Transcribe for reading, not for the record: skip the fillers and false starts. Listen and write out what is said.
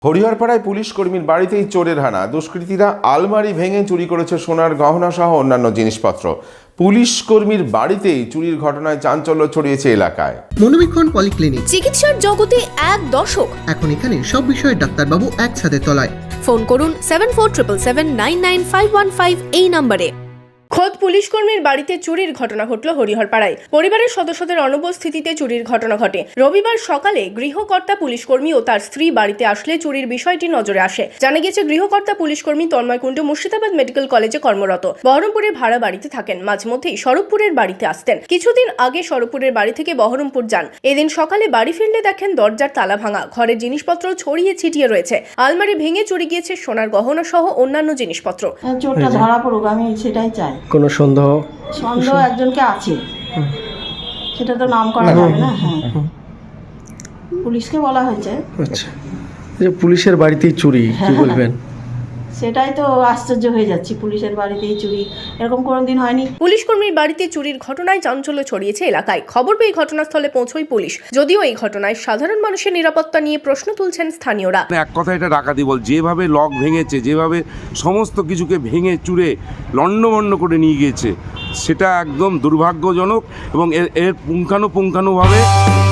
হরিহরপাড়ায় police কর্মীর বাড়িতেই চোরের হানা। দুষ্কৃতীরা আলমারি ভেঙে চুরি করেছে সোনার গহনা সহ অন্যান্য জিনিসপত্র। পুলিশ কর্মীর বাড়িতেই চুরির ঘটনায় চাঞ্চল্য ছড়িয়েছে এলাকায়। মনোবীক্ষণ পলিক্লিনিক, চিকিৎসার জগতে এক দশক। এখন এখানে সব বিষয়ে ডাক্তারবাবু একসাথে তলায়। ফোন করুন 7477799515 এই নম্বরে। খোদ পুলিশ কর্মীর বাড়িতে চুরির ঘটনা ঘটল হরিহরপাড়ায়। পরিবারের সদস্যদের অনুপস্থিতিতে চুরির ঘটনা ঘটে। রবিবার সকালে গৃহকর্তা পুলিশকর্মী ও তার স্ত্রী বাড়িতে আসলে চুরির বিষয়টি নজরে আসে। জানা গেছে, গৃহকর্তা পুলিশকর্মী তন্ময় কুণ্ডু মুর্শিদাবাদ মেডিকেল কলেজে কর্মরত। বহরমপুরের ভাড়া বাড়িতে থাকেন। মাঝে মধ্যেই স্বরূপপুরের বাড়িতে আসতেন। কিছুদিন আগে স্বরূপপুরের বাড়ি থেকে বহরমপুর যান। এদিন সকালে বাড়ি ফিরলে দেখেন দরজার তালা ভাঙা, ঘরের জিনিসপত্র ছড়িয়ে ছিটিয়ে রয়েছে। আলমারি ভেঙে চুরি গিয়েছে সোনার গহনা সহ অন্যান্য জিনিসপত্র। চোরটা ধরা পড়ুক, আমি সেটাই চাই। কোনো সন্দেহ একজনকে আছে, সেটা তো নাম করা যাবে না। হ্যাঁ, পুলিশকে বলা হয়েছে। আচ্ছা, পুলিশের বাড়িতেই চুরি, কি বলবেন? সেটাই তো আশ্চর্য হয়ে যাচ্ছি, পুলিশের বাড়িতেই চুরি, এরকম কোনোদিন হয়নি। পুলিশ কর্মীর বাড়িতে চুরির ঘটনায় চাঞ্চল্য ছড়িয়েছে এলাকায়। খবর পেয়ে ঘটনাস্থলে পৌঁছয় পুলিশ। যদিও এই ঘটনায় সাধারণ মানুষের নিরাপত্তা নিয়ে প্রশ্ন তুলছেন স্থানীয়রা। এক কথা, এটা ডাকাতি বল। যেভাবে লক ভেঙেছে, যেভাবে সমস্ত কিছুকে ভেঙে চুরে লণ্ডভণ্ড করে নিয়ে গিয়েছে, সেটা একদম দুর্ভাগ্যজনক এবং এর পুঙ্খানুপুঙ্খানুভাবে